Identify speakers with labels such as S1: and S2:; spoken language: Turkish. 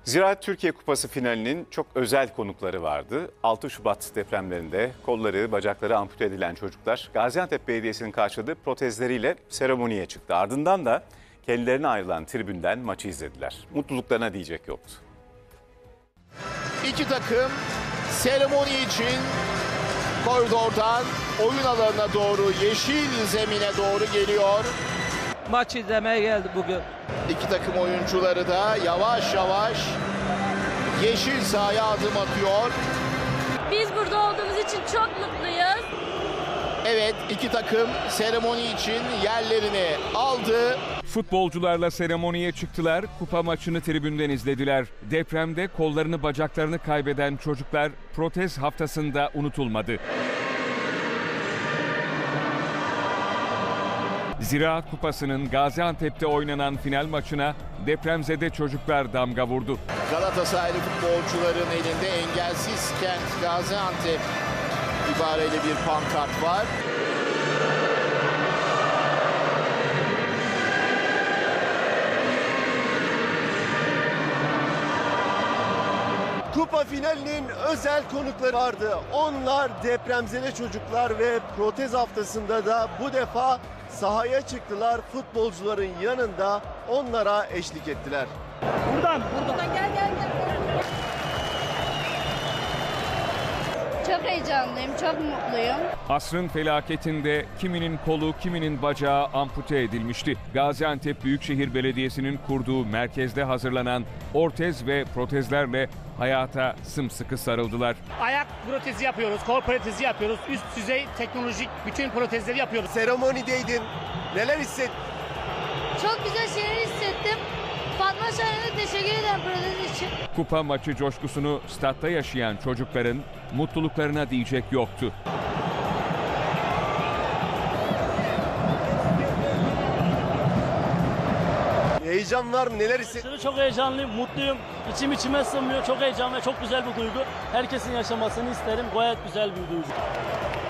S1: Ziraat Türkiye Kupası finalinin çok özel konukları vardı. 6 Şubat depremlerinde kolları, bacakları ampute edilen çocuklar Gaziantep Belediyesi'nin karşıladığı protezleriyle seremoniye çıktı. Ardından da kendilerine ayrılan tribünden maçı izlediler. Mutluluklarına diyecek yoktu.
S2: İki takım seremoni için koridordan oyun alanına doğru, yeşil zemine doğru geliyor.
S3: Maç izlemeye geldi bugün.
S2: İki takım oyuncuları da yavaş yavaş yeşil sahaya adım atıyor.
S4: Biz burada olduğumuz için çok mutluyuz.
S2: Evet, iki takım seremoni için yerlerini aldı.
S5: Futbolcularla seremoniye çıktılar, kupa maçını tribünden izlediler. Depremde kollarını bacaklarını kaybeden çocuklar protez haftasında unutulmadı. Ziraat Kupası'nın Gaziantep'te oynanan final maçına depremzede çocuklar damga vurdu.
S2: Galatasaraylı futbolcuların elinde engelsiz kent Gaziantep ibareyle bir pankart var.
S6: Kupa finalinin özel konukları vardı. Onlar depremzede çocuklar ve protez haftasında da bu defa sahaya çıktılar. Futbolcuların yanında onlara eşlik ettiler.
S4: Buradan gel. Çok heyecanlıyım, çok mutluyum.
S5: Asrın felaketinde kiminin kolu, kiminin bacağı ampute edilmişti. Gaziantep Büyükşehir Belediyesi'nin kurduğu merkezde hazırlanan ortez ve protezlerle hayata sımsıkı sarıldılar.
S7: Ayak protezi yapıyoruz, kol protezi yapıyoruz. Üst düzey teknolojik bütün protezleri yapıyoruz.
S6: Seremonideydin. Neler hissettin?
S4: Çok güzel şeyler hissettim. Fatma Şahin'e teşekkür ederim protez için.
S5: Kupa maçı coşkusunu statta yaşayan çocukların mutluluklarına diyecek yoktu.
S6: Heyecan var mı? Neler hissettin?
S8: Çok heyecanlıyım, mutluyum. İçim içime sığmıyor. Çok heyecan ve çok güzel bir duygu. Herkesin yaşamasını isterim. Gayet güzel bir duygu.